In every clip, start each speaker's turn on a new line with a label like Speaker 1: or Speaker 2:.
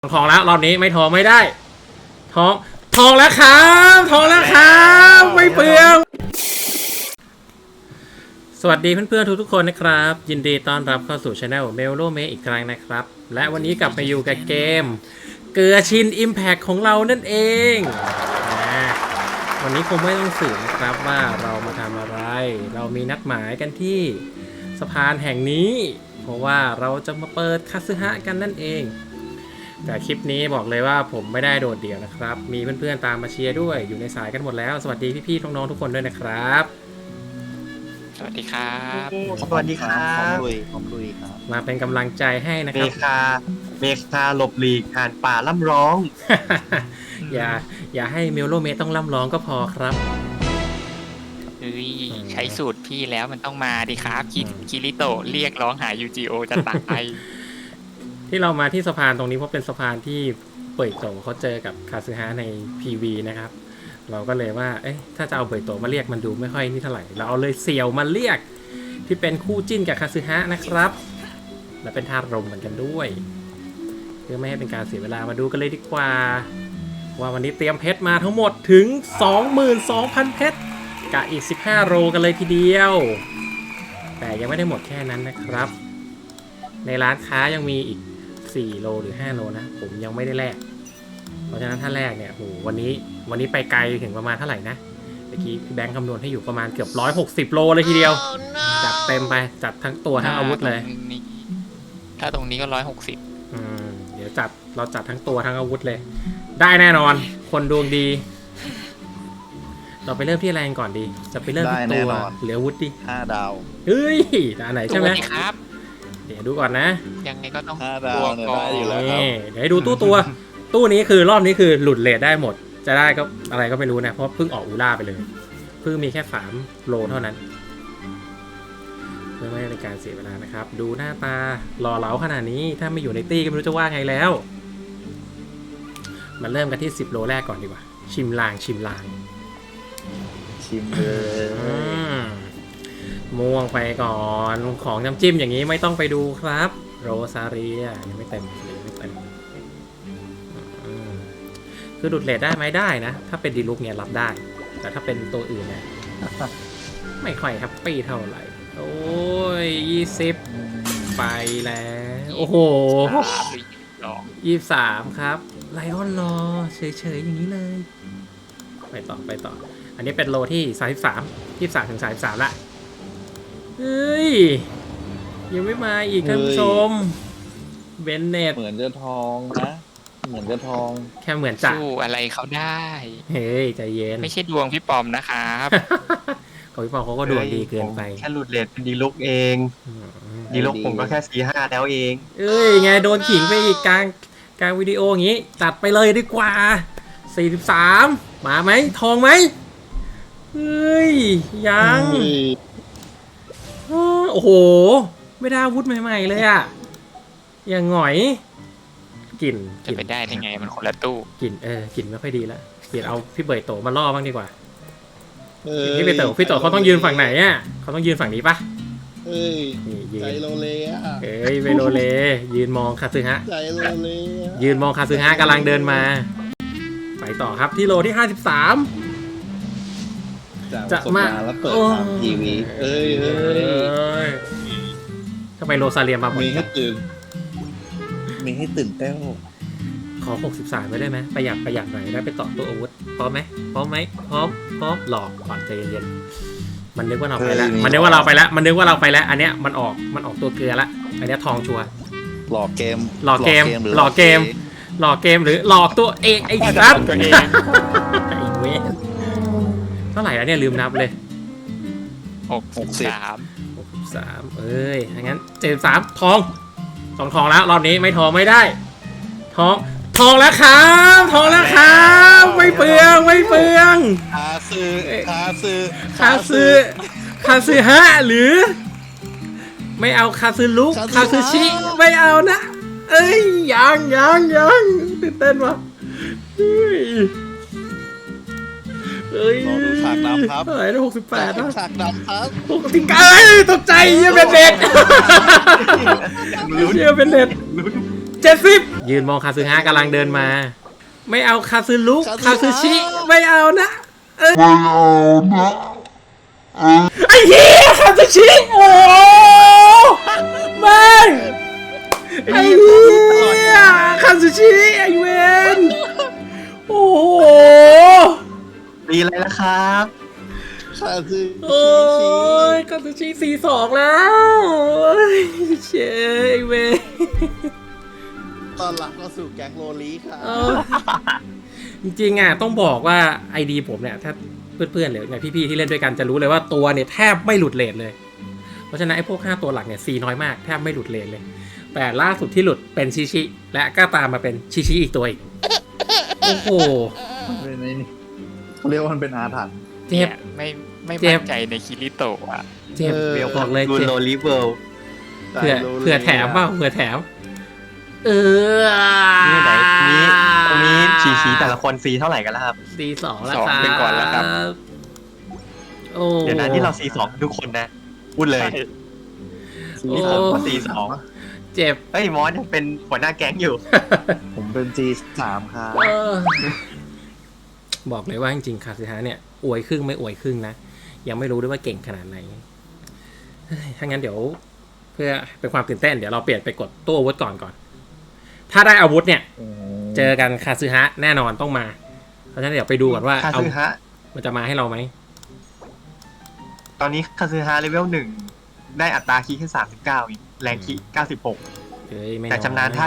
Speaker 1: ทองแล้วรอบนี้ไม่ทองไม่ได้ทองแล้วครับทองแล้วครับไม่เปลืองสวัสดีเพื่อนๆทุกๆคนนะครับยินดีต้อนรับเข้าสู่ช anel เมลโลเมอีกครั้งนะครับและวันนี้กลับมาอยู่กับเกมเกลือชิน Impact ของเรานั่นเองวันนี้คงไม่ต้องสืบนะครับว่าเรามาทำอะไรเรามีนัดหมายกันที่สะพานแห่งนี้เพราะว่าเราจะมาเปิดคาสึฮะกันนั่นเองแต่คลิปนี้บอกเลยว่าผมไม่ได้โดดเดี่ยวนะครับมีเพื่อนๆตามมาเชียร์ด้วยอยู่ในสายกันหมดแล้วสวัสดีพี่ๆน้องๆทุกคนด้วยนะครับ
Speaker 2: สวัสดีครับ
Speaker 3: สวัสดีครับ
Speaker 4: พร้อมลุยครับ
Speaker 1: มาเป็นกำลังใจให้นะ
Speaker 3: เม
Speaker 1: ครับ
Speaker 3: คาหลบหลีกห่านป่าล่ำร้อง
Speaker 1: อย่าให้เมลโลเมต้องล่ำร้องก็พอครับ
Speaker 2: เฮ้ยใช้สูตรพี่แล้วมันต้องมาดิครับคิริโตะเรียกร้องหา UGO จะตาย
Speaker 1: ที่เรามาที่สะพานตรงนี้เพราะเป็นสะพานที่เปิดโตเขาเจอกับคาซึฮะใน PV นะครับเราก็เลยว่าเอ๊ะถ้าจะเอาเปิดโตมาเรียกมันดูไม่ค่อยนี่เท่าไหร่เราเอาเลยเสี่ยวมาเรียกที่เป็นคู่จิ้นกับคาซึฮะนะครับและเป็นธาตุลมเหมือนกันด้วยเพื่อไม่ให้เป็นการเสียเวลามาดูกันเลยดีกว่าว่าวันนี้เตรียมเพชรมาทั้งหมดถึง 22,000 เพชรกับอีก15โลกันเลยทีเดียวแต่ยังไม่ได้หมดแค่นั้นนะครับในร้านค้ายังมีอีก4โลหรือ5โลนะผมยังไม่ได้แลกเพราะฉะนั้นถ้าแลกเนี่ยโหวันนี้ไปไกลถึงประมาณเท่าไหร่นะเมื่อกี้พี่แบงค์คำนวณให้อยู่ประมาณเกือบ160โลเลยทีเดียวจัดเต็มไปจัดทั้งตัวทั้งอาวุธเลย
Speaker 2: ถ้าตรงนี้ก็160
Speaker 1: เดี๋ยวเราจัดทั้งตัวทั้งอาวุธเลยได้แน่นอนคนดวงดีเราไปเริ่มที่อะไรก่อนดีจะไปเริ่มที่ตัวหรืออาวุธดิ
Speaker 4: 5 ดาว
Speaker 1: เฮ้ยด้านไหนใช่ไหม
Speaker 2: ครับ
Speaker 1: เดี๋ยวดูก่อนนะ
Speaker 2: ยังไงก็ต้อง
Speaker 4: 5 ดาวเนี่ยได้อยู่แล้วครับ
Speaker 1: เดี๋ยวให้ดูตู้นี้คือรอบนี้คือหลุดเรทได้หมดจะได้ก็อะไรก็ไม่รู้นะเพราะเพิ่งออกอูล่าไปเลยเพิ่งมีแค่3โลเท่านั้นเพื่อไม่ให้เป็นการเสียเวลานะครับดูหน้าตาหล่อเหลาขนาดนี้ถ้าไม่อยู่ในตี้ก็ไม่รู้จะว่าไงแล้วมาเริ่มกันที่10โลแรกก่อนดีกว่าชิมลาง
Speaker 4: ชิมเลย
Speaker 1: ม่วงไปก่อนของน้ำจิ้มอย่างนี้ไม่ต้องไปดูครับโรซาเรียยังไม่เต็มคือดูดเลทได้ไหมได้นะถ้าเป็นดีลุกเนี่ยรับได้แต่ถ้าเป็นตัวอื่นเนี่ยไม่ค่อยแฮปปี้เท่าไหร่โอ้ย20ไปแล้วโอ้โห23ครับไลออนรอเฉยๆอย่างนี้เลยไปต่ออันนี้เป็นโลที่23ถึง33ละเฮ้ยยังไม่มาอีกท่านผู้ชมเบนเน็ต
Speaker 4: เหมือนจะทองนะเหมือนจะทอง
Speaker 1: แค่เหมือนจะ
Speaker 2: สู้อะไรเขาได้
Speaker 1: เฮ้ยใจเย็น
Speaker 2: ไม่ใช่ดวงพี่ปอมนะครับ
Speaker 1: ของพี่ปอมเขาก็ดวงดีเกินไป
Speaker 3: แค่หลุดเลทเป็นดีลุกเองดีลุกผมก็แค่4-5แล้วเอง
Speaker 1: เอ้ยไงโดนขิงไปอีกกลางวิดีโออย่างงี้จัดไปเลยดีกว่า43มาไหมทองไหมเฮ้ยยังโอ้โหไม่ได้อาวุธใหม่ๆเลยอ่ะอย่างหงอยกลิ่น
Speaker 2: จะไปได้ยังไงมันคนละตู้
Speaker 1: กลิ่นไม่ค่อยดีแล้วเปลี่ยนเอาพี่เบยโตมาล่อบ้างดีกว่าพี่เบยโตเขาต้องยืนฝั่งไหนอ่ะเขาต้องยืนฝั่งนี้ปะ
Speaker 4: เฮ้ยใจโลเลอ่ะ
Speaker 1: เวโลเลยืนมองคาซึฮะ
Speaker 4: ใจโลเล
Speaker 1: ยืนมองคาซึฮะกำลังเดินมาไปต่อครับที่โลที่53
Speaker 4: จะมาแล้วเปิดทางทีวี
Speaker 1: ทำไมโรซาเลียมาบ่อย
Speaker 4: มีให้ตื่นเต้น
Speaker 1: ขอ63ไว้ได้ไหมประหยัดหน่อยได้ไปต่อตัวอาวุธพร้อมไหมพร้อมหลอกก่อนใจเย็นๆมันนึกว่าเราไปแล้วอันเนี้ยมันออกตัวเกลือละอันเนี้ยทองชัว
Speaker 4: หลอกเกม
Speaker 1: หรือหลอกตัวเองไอ้สัตว์ตัวเองไอ้เว้ยเท่าไหร่แล้วเนี่ยลืมนับเลย
Speaker 2: 63
Speaker 1: เอ้ยงั้น73ทองแล้วรอบนี้ไม่ทองไม่ได้ทองแล้วครับไม่เปลือง
Speaker 4: คา
Speaker 1: ซึฮะหรือไม่เอาคาซึลุกคาซึชิไม่เอานะเอ้ยยังตื่นเต้นว่ะเฮ้ย
Speaker 4: ฉากดำครับ
Speaker 1: เท่าไหร่ได้68นะ
Speaker 4: ฉากดำครับ
Speaker 1: ติ๊กไก่ตกใจเยี่ยเป็นเน็ต 70ยืนมองคาซึฮะกำลังเดินมา ไม่เอาคาซึลุคาซึชิไม่เอานะไอ้เหี้ยคาซึชิโอ้แม่งไอ้เหี้ยคาซึชิไอ้เวนโอ้โห
Speaker 3: ดีอะไรล่ะครับ
Speaker 4: ข้าคือ
Speaker 1: โอ้ยคาซึชิ4-2แล้วเชยไอ้เวน
Speaker 4: ตอนหลังก็สู่แก๊งโรลีค่ะ
Speaker 1: จริงๆอ่ะต้องบอกว่าไอดีผมเนี่ยถ้าเพื่อนๆหรือเนี่ยพี่ๆที่เล่นด้วยกันจะรู้เลยว่าตัวเนี่ยแทบไม่หลุดเรทเลยเพราะฉะนั้นไอ้พวก5ตัวหลักเนี่ยซีน้อยมากแทบไม่หลุดเรทเลยแต่ล่าสุดที่หลุดเป็นชิชิและก็ตามมาเป็นชิชิอีกตัวอีกโอ้โห
Speaker 4: มันเป็นไอ้นี่เขาเรียกว่ามันเป็นอาถรรพ์
Speaker 1: เจ็บ
Speaker 2: ไม่
Speaker 1: เจ็
Speaker 2: มั่
Speaker 1: บ
Speaker 2: นใจในคิริโตะอ่ะ
Speaker 1: เจ็บ บอกเลย
Speaker 3: ดู
Speaker 1: เจ็บ
Speaker 3: โลลิเวิลด์
Speaker 1: เผื่อแถมเปล่าเผื่อแถม
Speaker 3: นี่ไหนตรงนี้ชี้แต่ละคนฟรีเท่าไหร่กันแล้วครับ
Speaker 1: C2 แล้ว
Speaker 2: สอง
Speaker 1: ครับ
Speaker 2: ไปก่อนแล้วครับ
Speaker 1: โอ้
Speaker 3: เดี๋ยวนะที่เรา C2 ทุกคนนะพูดเลย นี่ผมก็ C2
Speaker 1: เจ็บ
Speaker 3: เฮ้ยมอสยังเป็นหัวหน้าแก๊งอยู่
Speaker 4: ผมเป็น G3 ครับ
Speaker 1: บอกเลยว่าจริงๆคาซึฮะเนี่ยอวยครึ่งไม่อวยครึ่งนะยังไม่รู้ด้วยว่าเก่งขนาดไหนเฮ้ยถ้างั้นเดี๋ยวเพื่อเป็นความตื่นเต้นเดี๋ยวเราเปลี่ยนไปกดตู้อาวุธก่อนถ้าได้อาวุธเนี่ยเจอกันคาซึฮะแน่นอนต้องมาเพราะฉะนั้นเดี๋ยวไปดูก่อนว่า
Speaker 3: คาซึฮะ
Speaker 1: มันจะมาให้เราไหม
Speaker 3: ตอนนี้คาซึฮะเลเวล1ได้อัตราคีย์แค่39อีกแรงคีย์96
Speaker 1: เฮ้ยไม่
Speaker 3: แต่ชำนาญท่า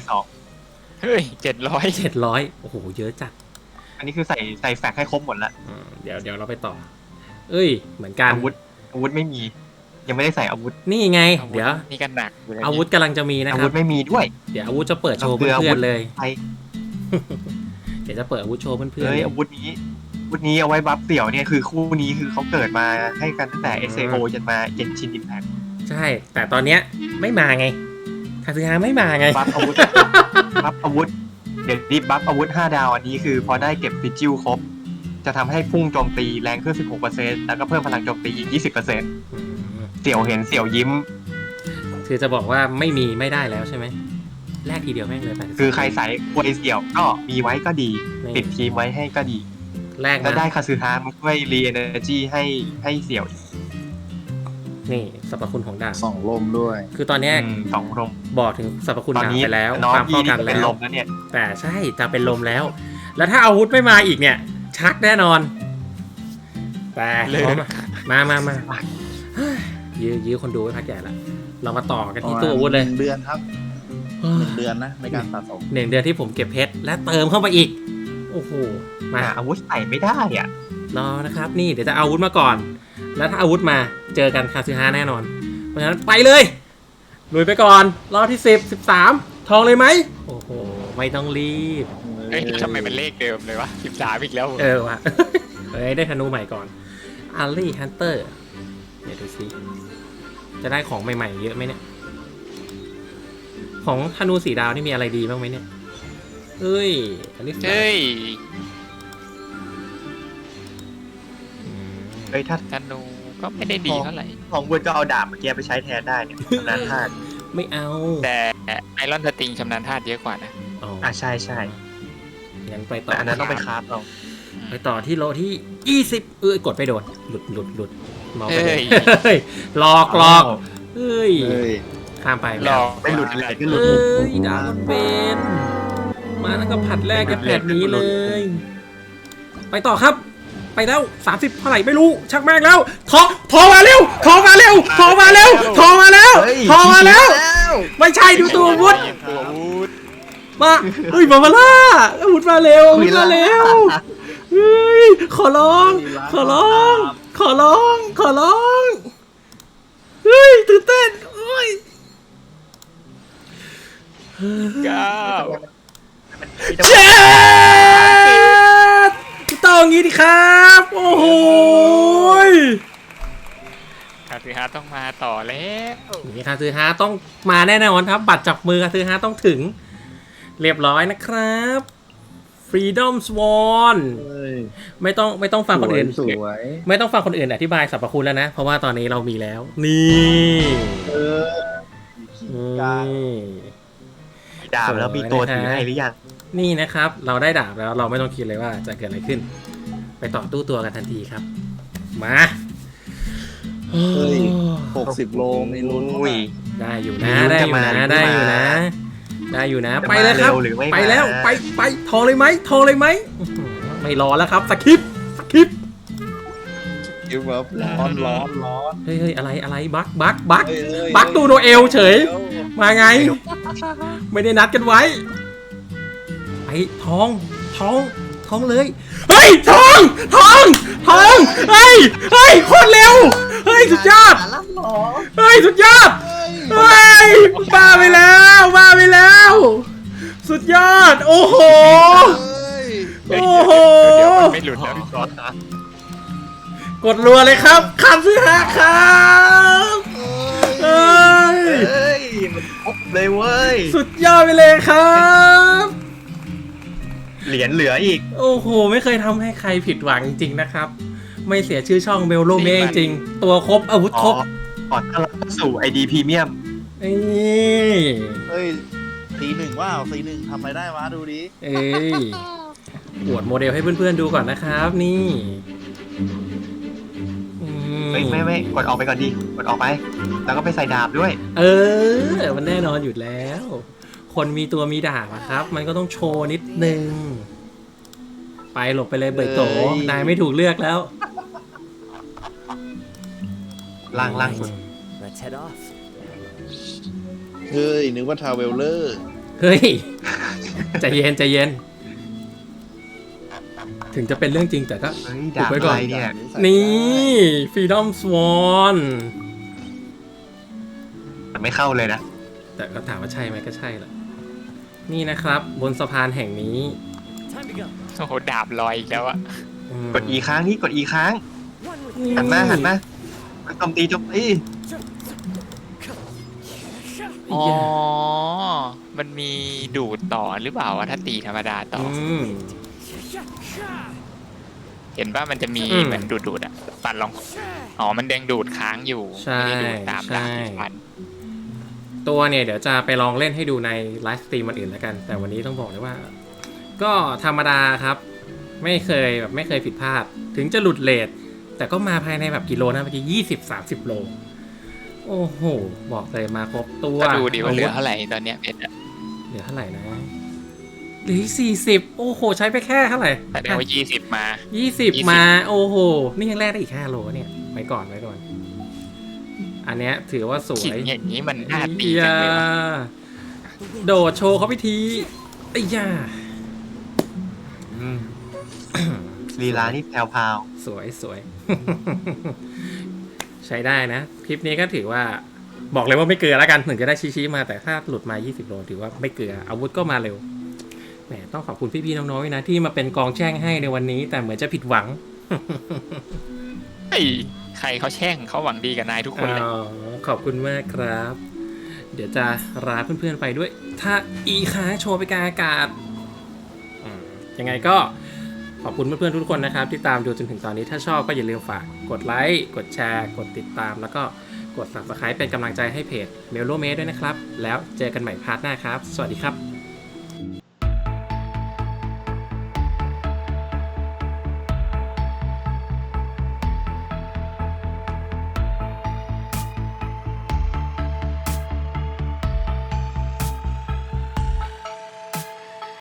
Speaker 3: 702
Speaker 2: เฮ้ย700
Speaker 1: 700โอ้โหเยอะจัด
Speaker 3: อันนี้คือใส่แฟกให้ครบหมดละ
Speaker 1: เดี๋ยวเราไปต่อเอ้ยเหมือนกัน
Speaker 3: อาวุธไม่มี ยังไม่ได้ใส่อาวุธ
Speaker 1: นี่ไงเดี๋ยว
Speaker 2: นี่กันหนักอยู่เลย
Speaker 1: อาวุธกำลังจะมีนะ
Speaker 3: อา
Speaker 1: ค
Speaker 3: วุ
Speaker 1: รับ
Speaker 3: ธไม่มีด้วย
Speaker 1: เดี๋ยวอาวุธจะเปิดโชว์
Speaker 3: เบื่
Speaker 1: เพื่
Speaker 3: อ
Speaker 1: อนๆเลย
Speaker 3: ไป
Speaker 1: เดี๋ยวจะเปิดอาวุธโชว์เพื่อนๆ
Speaker 3: เฮ้ย
Speaker 1: เลย
Speaker 3: อาวุธนี้เอาไว้บัฟเสี่ยวเนี่ยคือคู่นี้คือเขาเกิดมาให้กันตั้งแต่ SAO จนมาเย็นชินอิมแพค
Speaker 1: ใช่ แต่ตอนเนี้ยไม่มาไงคาซึฮะไม่มาไง
Speaker 3: บัฟอาวุธ บัฟอาวุธ เดี๋ยวนี้บัฟอาวุธ5 ดาวอันนี้คือพอได้เก็บฟิจิลครบ จะทำให้พุ่งโจมตีแรงขึ้น 16% แล้วก็เพิ่มพลังโจมตีอีก 20%เสี่ยวเห็นเสี่ยวยิ้ม
Speaker 1: คือจะบอกว่าไม่มีไม่ได้แล้วใช่ไหมแลกทีเดียวแม่งเลย82
Speaker 3: คือใครใส่ควยเสี่ยวก็มีไว้ก็ดี
Speaker 1: นี่
Speaker 3: ติดทีมไว้ให้ก็ดี
Speaker 1: แลก
Speaker 3: แล้ว
Speaker 1: นะ
Speaker 3: ได้คาซึฮะมาช่วยรีเอเนอร์จีให้เสี่ยวอีก
Speaker 1: นี่สรรพคุณของดาบ
Speaker 4: 2 ลมด้วย
Speaker 1: คือตอนเนี้ย
Speaker 3: 2 ลม
Speaker 1: บอกถึงสรรพคุณ
Speaker 3: ตอน
Speaker 1: ดาบ
Speaker 3: นี้
Speaker 1: ไปแล้ว
Speaker 3: น้อง
Speaker 1: ความ
Speaker 3: พี่
Speaker 1: ป้อง
Speaker 3: นี่
Speaker 1: กัน
Speaker 3: ก็เป็น
Speaker 1: แล้
Speaker 3: ล
Speaker 1: ว
Speaker 3: มแล้วเนี่ย
Speaker 1: แต่ใช่จะเป็นลมแล้ว แล้วถ้าอาวุธไม่มาอีกเนี่ย ชักแน่นอน แต่มายื้อคนดูไว้พักใหญ่ละเรามาต่อกันที่ตู้อาวุธเลย
Speaker 4: 1 เดือนครับ 1 เดือนนะในการสะสม
Speaker 1: 1 เดือนที่ผมเก็บเพชรและเติมเข้าไปอีก โอ้โหมา
Speaker 3: อาวุธใส่ไม่ได้อ่ะ
Speaker 1: รอนะครับนี่เดี๋ยวจะเอาอาวุธมาก่อน แล้วถ้าอาวุธมาเจอกันคาซึฮะแน่นอน เพราะฉะนั้นไปเลยลุยไปก่อนรอบที่10 13ทองเลยไหมโอ้โหไม่ต้องรีบ
Speaker 2: เฮ้ยทำไมมันเลขเดิมเลยวะ13อีกแล้ว
Speaker 1: ว่ะ เฮ้ยได้ธนูใหม่ก่อนอารีฮันเตอร์เดี๋ยวดูซิจะได้ของใหม่ๆเยอะไหมเนี่ยของธนู4 ดาวนี่มีอะไรดีบ้างไหมเนี่ยเฮ้ยอันนี้
Speaker 2: เฮ้ย
Speaker 3: เฮ้ยถ้า
Speaker 2: ธนูก็ไม่ได้ดีเท่าไหร่
Speaker 3: ของวุฒก็เอาดาบเมื่อกี้ไปใช้แทนได้เนี่ยชำนาญธาตุ
Speaker 1: ไม่เอา
Speaker 2: แต่ไอรอนสติงชำนาญธาตุเยอะกว่านะ
Speaker 3: ใช่
Speaker 1: งั้นไปต่อ
Speaker 3: แต่อันนั้นต้องไปคราฟเอา
Speaker 1: ไปต่อที่โลที่20กดไปโดนหลุดมองไป
Speaker 2: เฮ้ย
Speaker 1: เฮ้ยหลอกเฮ้ย
Speaker 4: เฮ้ย
Speaker 1: ข้ามไป
Speaker 2: หลอก
Speaker 3: ไม่หลุดเลยก็หลุด
Speaker 1: เอ้ยดาวเบนมาแล้วก็ผัดแรกกันแบบนี้เลย ไปต่อครับ ไปแล้ว30เท่าไหร่ไม่รู้ชักแม่งแล้วทอมาเร็วไม่ใช่ดูตัวอาวุธ
Speaker 2: ตัวอาวุธ
Speaker 1: มาเฮ้ยมาล่าอาวุธมาเร็วเฮ้ยขอร้องเฮ้ยตื่นเต้นเฮ้ย
Speaker 2: 9
Speaker 1: เจ็ดต้องงี้ดิครับโอ้โห
Speaker 2: คาซึฮะต้องมาต่อแล้ว
Speaker 1: นี่คาซึฮะต้องมาแน่นอนครับบัตรจับมือคาซึฮะต้องถึงเรียบร้อยนะครับ Freedom Swan
Speaker 4: เฮ้ย
Speaker 1: ไม่ต้องฟังคนอื่น
Speaker 4: สวย
Speaker 1: ไม่ต้องฟังคนอื่นอธิบายสรรพคุณแล้วนะเพราะว่าตอนนี้เรามีแล้วนี่
Speaker 4: เออ
Speaker 1: นี่
Speaker 3: ดาบแล้วมีตัวถือให้หรือยัง
Speaker 1: นี่นะครับ เราได้ดาบแล้วเราไม่ต้องคิดเลยว่าจะเกิดอะไรขึ้น ไปต่อตู้ตัวกันทันทีครับ มา
Speaker 4: เฮ้ย 60 โลมีลุ้น
Speaker 3: อุ้ย
Speaker 1: ได้อยู่
Speaker 3: มี
Speaker 1: นะ
Speaker 3: ลุ้น
Speaker 1: ได้
Speaker 3: จะ
Speaker 1: อยู่
Speaker 3: มา
Speaker 1: นะ
Speaker 3: หรือไม่
Speaker 1: ได้อยู่
Speaker 3: มา
Speaker 1: นะ ได้อยู่นะ
Speaker 3: จะ
Speaker 1: ไปเลยครับ
Speaker 3: มาเร็วหรือไม่
Speaker 1: ไปแล้ว
Speaker 3: มา
Speaker 1: ไปโทรเลยไหมโทรเลยไหมอื้อหือไม่รอแล้วครับสคริปต์
Speaker 4: คิวแบบร้อน
Speaker 1: เฮ้ยอะไรบักบัก
Speaker 4: เฮ้ยเฮ้ย
Speaker 1: บักดูโนเอลเฉย มาไง ไม่ได้นัดกันไว้ไปทองเลย เฮ้ยทองเฮ้ยโคตรเร็ว เฮ้ยสุดยอด เฮ้ยสุดยอด เฮ้ยบ้าไปแล้ว สุดยอด โอ้โห
Speaker 4: เฮ้ย
Speaker 1: โอ้โห
Speaker 2: เดี๋ยวมันไม่หลุดแล้วพี่ก๊อต
Speaker 1: กดรัวเลยครับคำซื้อหาครับเฮ้ย
Speaker 3: เฮ้ยมันครบเลยเว้ย
Speaker 1: สุดยอดไปเลยครับ
Speaker 3: เหรียญเหลืออีก
Speaker 1: โอ้โห ไม่เคยทำให้ใครผิดหวังจริงๆนะครับ ไม่เสียชื่อช่องเบลโลเมจริงๆตัวครบอาวุธครบ
Speaker 3: ขอต้อนรับเข้าสู่ ID Premium
Speaker 1: นี่
Speaker 4: เฮ้ยC1ว้าวC1ทำอะไรได้วะดูดิ
Speaker 1: เอ้ยอวดโมเดลให้เพื่อนๆดูก่อนนะครับนี่อืม
Speaker 3: ไม่กดออกไปก่อนดิกดออกไป แล้วก็ไปใส่ดาบด้วย
Speaker 1: เออ มันแน่นอนอยู่แล้ว คนมีตัวมีดาบอะครับ มันก็ต้องโชว์นิดนึง ไปหลบไปเลยเบิดโต
Speaker 4: เอ้ย
Speaker 1: นายไม่ถูกเลือกแล้ว
Speaker 3: ล่างสุด
Speaker 5: Let's head off.
Speaker 4: เฮ้ยนึกว่าทาวเวลเลอร์
Speaker 1: เฮ้ย ใจเย็น ถึงจะเป็นเรื่องจริงแต่ก็
Speaker 3: เฮ้ย
Speaker 1: อุบ
Speaker 3: ดาบ
Speaker 1: ไว้ก่
Speaker 3: อะ
Speaker 1: อน
Speaker 3: ไรเนี่ย
Speaker 1: นี่ Freedom Swan
Speaker 3: มันไม่เข้าเลยนะ
Speaker 1: แต่ก็ถามว่าใช่ไหมก็ใช่แหละนี่นะครับ บนสะพานแห่งนี้
Speaker 5: Time to go.
Speaker 2: โอ้โหดาบลอยอีกแล้วอะ
Speaker 1: อืม
Speaker 3: กด E ค้างนี่กด E ค้าง
Speaker 5: One with
Speaker 1: นี่
Speaker 3: หันมากดโจมตี
Speaker 2: อ๋อ มันมีดูดต่อหรือเปล่าอะถ้าตีธรรมดาต่อ
Speaker 1: อืม
Speaker 2: เห็นว่ามันจะมี
Speaker 1: อืม
Speaker 2: เหมือนดูดอะปัดลอง อ๋อ มันแดงดูดค้างอยู่
Speaker 1: ใช่
Speaker 2: ไม่ได้ดูดตามดาบที่
Speaker 1: ใช่
Speaker 2: ฟัน
Speaker 1: ตัวเนี่ยเดี๋ยวจะไปลองเล่นให้ดูในไลฟ์สตรีมมันอื่นแล้วกัน แต่วันนี้ต้องบอกเลยว่า ก็ธรรมดาครับ ไม่เคยผิดพลาด ถึงจะหลุดเลทแต่ก็มาภายในแบบกี่โลนะเมื่อกี้20-30 โล โอ้โห บอกเลยมาครบตัว
Speaker 2: ก็ดูดิว่าเหลือเท่าไหร่ตอนเนี้ยเพชรอะ
Speaker 1: เหลือเท่าไหร่นะเหลือ40 โอ้โห ใช้ไปแค่เท่าไหร่
Speaker 2: แสดงว่า20 มา
Speaker 1: 20 มาโอ้โห นี่ยังแลกได้อีก5 โลเนี่ยไว้ก่อน อันเนี้ยถือว่าสว
Speaker 2: ขิง
Speaker 1: ย
Speaker 2: อย่างนี้มันน่าตี
Speaker 1: เอี
Speaker 2: จั
Speaker 1: ย
Speaker 2: งเลยวะ
Speaker 1: โดดโชว์เขาพิธีไอ้ยา
Speaker 3: ลีลานี่แพรว
Speaker 1: สวย ใช้ได้นะ คลิปนี้ก็ถือว่าบอกเลยว่าไม่เกลือแล้วกันถึงจะได้ชี้ๆมาแต่ถ้าหลุดมา20 โลถือว่าไม่เกลืออาวุธก็มาเร็วแหมต้องขอบคุณพี่ๆน้องๆนะที่มาเป็นกองแช่งให้ในวันนี้ แต่เหมือนจะผิดหวัง
Speaker 2: ไอ้ใครเขาแช่งเขาหวังดีกับนายทุกคนเลย
Speaker 1: อ๋อขอบคุณมากครับ เดี๋ยวจะลาเพื่อนๆไปด้วย ถ้าอีค้างโชว์ไปกลางอากาศยังไงก็ขอบคุณเพื่อนๆทุกคนนะครับที่ตามดูจนถึงตอนนี้ถ้าชอบก็อย่าลืมฝากกดไลค์กดแชร์กดติดตามแล้วก็กด Subscribe เป็นกำลังใจให้เพจ Melo Mate ด้วยนะครับ แล้วเจอกันใหม่พาร์ทหน้าครับ สวัสดีครับ